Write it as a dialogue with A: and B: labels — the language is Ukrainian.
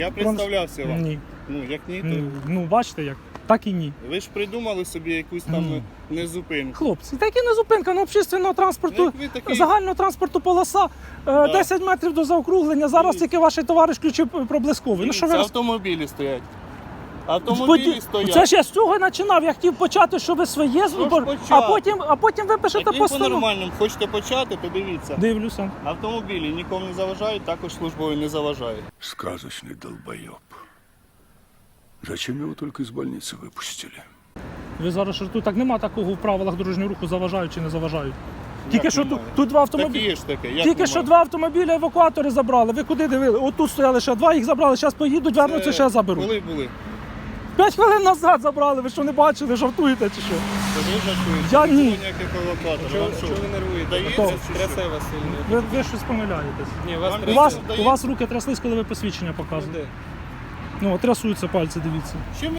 A: Я представлявся вам.
B: Ні.
A: Ну, як ні, то...
B: Ну, бачите як. Так і ні.
A: Ви ж придумали собі якусь там
B: Ні.
A: незупинку.
B: Хлопці, так і не зупинка, ну общественного транспорту,
A: Як ви такий-
B: загального транспорту полоса, 10 метрів до заокруглення. Зараз
A: Дивіться.
B: тільки ваш товариш включив проблисковий. Ну що ви
A: Це
B: роз-
A: автомобілі стоять. Автомобілі
B: Це
A: стоять.
B: ж я з цього і починав. Я хотів почати, що ви своє зробили, а потім ви пишете
A: Так він
B: постанову.
A: по-нормальному. Хочете почати, то дивіться.
B: Дивлюся.
A: Автомобілі нікому не заважають, також службові не заважають.
C: Сказочный долбоеб. Зачем его только из больницы выпустили?
B: Ви зараз що тут так нема такого в правилах дорожнього руху, заважають чи не заважають. Тільки що
A: немає?
B: тут два
A: Так
B: автомобілі.
A: є ж таке. Як
B: Тільки що
A: немає?
B: два автомобіля евакуатори забрали. Ви куди дивили? Отут стояли ще два, їх забрали. Зараз поїдуть, вернуться, ще заберуть.
A: Коли були?
B: 5 хвилин назад забрали. Ви що не бачили, жартуєте чи що?
A: То ви жартуєте?
B: Я
A: Не
B: ні.
A: було ніяких евакуаторів. Вам що?
D: Чого ви нервуєте?
A: Дається
B: Хто?
A: чи що?
D: Трясе вас сильно.
B: Ви щось помиляєтесь.
D: Ні, вас
A: Вам
B: У
D: трясе.
B: вас,
A: Дається?
B: у вас руки тряслись, коли ви посвідчення показували.
D: Де?
B: Ну, трясуються пальці, дивіться.
A: Чим